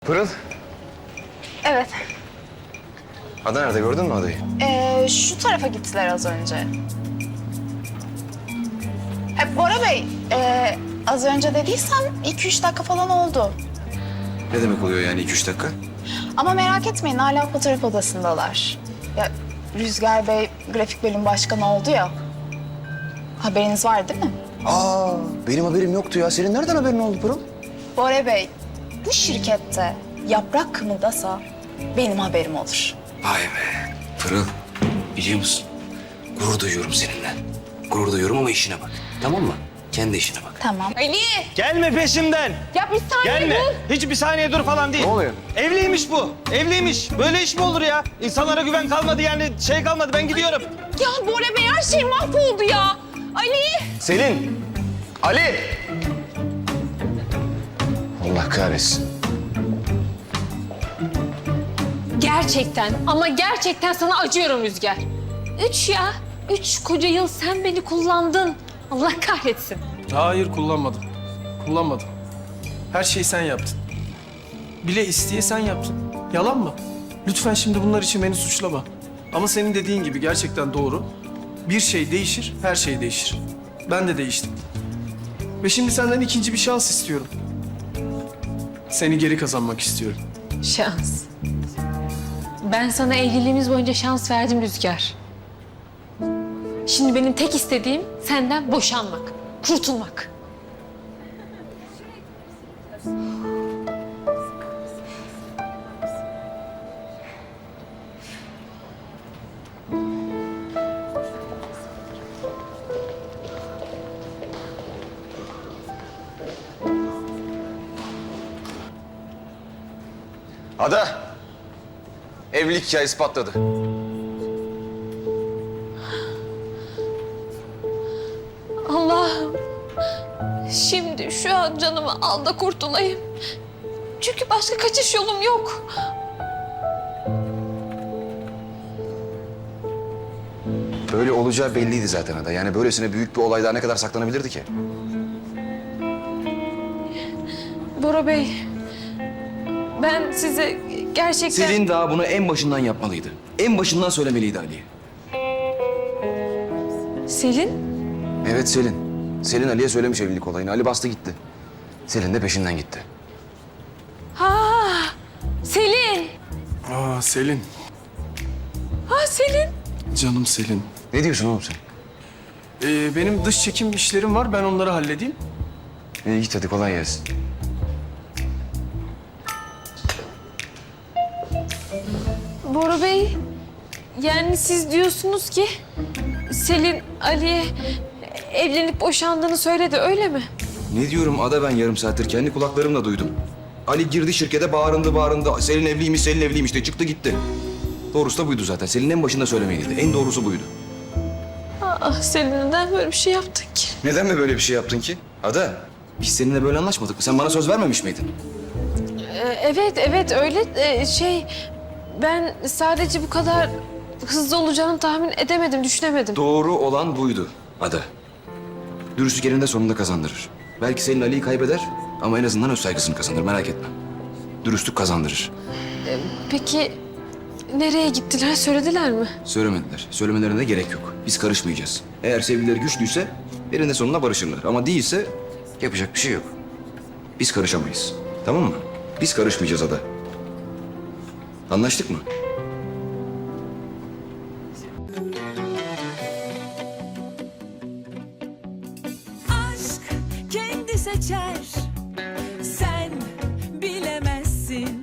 Pırıl, Evet. Ada nerede, gördün mü adayı? Şu tarafa gittiler az önce. Bora Bey, az önce dediysem 2-3 dakika falan oldu. Ne demek oluyor yani 2-3 dakika? Ama merak etmeyin, hala fotoğraf odasındalar. Ya Rüzgar Bey grafik bölüm başkanı oldu ya. Haberiniz var değil mi? Aa, benim haberim yoktu ya. Senin nereden haberin oldu Pırıl? Bora Bey, bu şirkette yaprak kımıldasa benim haberim olur. Vay be. Pırıl, biliyor musun? Gurur duyuyorum seninle. Gurur duyuyorum ama işine bak. Tamam mı? Kendi işine bak. Tamam. Ali! Gelme peşimden. Ya bir saniye Gelme. dur. Hiç bir saniye dur falan değil. Ne oluyor? Evliymiş bu. Evliymiş. Böyle iş mi olur ya? İnsanlara güven kalmadı yani şey kalmadı. Ben gidiyorum. Ya Bora Bey her şey mahvoldu ya. Ali! Selin! Ali! Allah kahretsin. Gerçekten ama gerçekten sana acıyorum Rüzgar. 3 koca yıl sen beni kullandın. Allah kahretsin. Hayır, kullanmadım. Kullanmadım. Her şeyi sen yaptın. Bile isteye sen yaptın. Yalan mı? Lütfen şimdi bunlar için beni suçlama. Ama senin dediğin gibi gerçekten doğru. Bir şey değişir, her şey değişir. Ben de değiştim. Ve şimdi senden ikinci bir şans istiyorum. Seni geri kazanmak istiyorum. Şans. Ben sana evliliğimiz boyunca şans verdim Rüzgar. Şimdi benim tek istediğim senden boşanmak, kurtulmak. Ada! Evlilik hikayesi patladı. Allah'ım, şimdi şu an canımı al da kurtulayım. Çünkü başka kaçış yolum yok. Böyle olacağı belliydi zaten Ada. Yani böylesine büyük bir olay daha ne kadar saklanabilirdi ki? Bora Bey, ben size gerçekten... Selin daha bunu en başından yapmalıydı. En başından söylemeliydi Ali'ye. Selin? Evet Selin. Selin Ali'ye söylemiş evlilik olayını. Ali bastı gitti. Selin de peşinden gitti. Ha, Selin. Aa Selin, Ha Selin. canım Selin. Ne diyorsun oğlum sen? Benim dış çekim işlerim var, ben onları halledeyim. Git hadi kolay gelsin. Bora Bey, yani siz diyorsunuz ki Selin Ali'ye evlenip boşandığını söyledi, öyle mi? Ne diyorum Ada, ben yarım saattir kendi kulaklarımla duydum. Ali girdi şirkete, bağırındı. Selin evliymiş, Selin evliymiş de çıktı gitti. Doğrusu da buydu zaten. Selin en başında söylemeliydi. En doğrusu buydu. Ah Selin, neden böyle bir şey yaptın ki? Neden mi böyle bir şey yaptın ki? Ada, biz seninle böyle anlaşmadık mı? Sen bana söz vermemiş miydin? Evet öyle. Ben sadece bu kadar hızlı olacağını tahmin edemedim, düşünemedim. Doğru olan buydu Ada. Dürüstlük eninde sonunda kazandırır. Belki Selin Ali'yi kaybeder ama en azından öz saygısını kazanır, merak etme. Dürüstlük kazandırır. Peki nereye gittiler, söylediler mi? Söylemediler. Söylemelerine de gerek yok. Biz karışmayacağız. Eğer sevgilileri güçlüyse eninde sonunda barışırlar. Ama değilse yapacak bir şey yok. Biz karışamayız. Tamam mı? Biz karışmayacağız Ada. Anlaştık mı? Aşk kendi seçer. Sen